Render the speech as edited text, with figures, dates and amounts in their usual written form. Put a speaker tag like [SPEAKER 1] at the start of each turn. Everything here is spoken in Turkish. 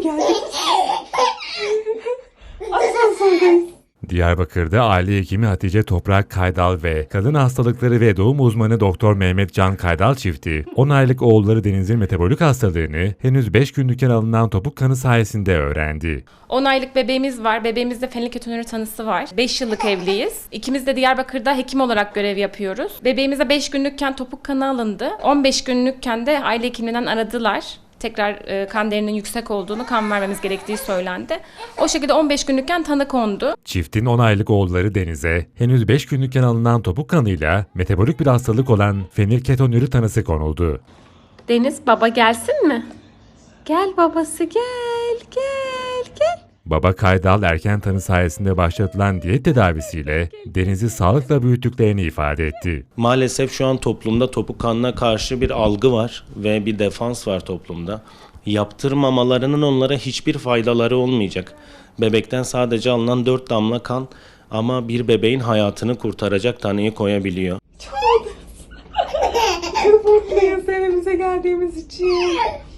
[SPEAKER 1] geldik. Asansördeyz.
[SPEAKER 2] Diyarbakır'da aile hekimi Hatice Toprak Kaydal ve kadın hastalıkları ve doğum uzmanı Doktor Mehmet Can Kaydal çifti 10 aylık oğulları Deniz'in metabolik hastalığını henüz 5 günlükken alınan topuk kanı sayesinde öğrendi.
[SPEAKER 3] 10 aylık bebeğimiz var. Bebeğimizde fenilketonuri tanısı var. 5 yıllık evliyiz. İkimiz de Diyarbakır'da hekim olarak görev yapıyoruz. Bebeğimize 5 günlükken topuk kanı alındı. 15 günlükken de aile hekiminden aradılar. Tekrar kan değerinin yüksek olduğunu, kan vermemiz gerektiği söylendi. O şekilde 15 günlükken tanı kondu.
[SPEAKER 2] Çiftin 10 aylık oğulları Deniz'e henüz 5 günlükken alınan topuk kanıyla metabolik bir hastalık olan fenilketonuri tanısı konuldu.
[SPEAKER 3] Deniz, baba gelsin mi? Gel babası, gel.
[SPEAKER 2] Baba Kaydal erken tanı sayesinde başlatılan diyet tedavisiyle Deniz'i sağlıkla büyüttüklerini ifade etti.
[SPEAKER 4] Maalesef şu an toplumda topuk kanına karşı bir algı var ve bir defans var toplumda. Yaptırmamalarının onlara hiçbir faydaları olmayacak. Bebekten sadece alınan 4 damla kan ama bir bebeğin hayatını kurtaracak tanıyı koyabiliyor.
[SPEAKER 1] Çok mutluyuz evimize geldiğimiz için.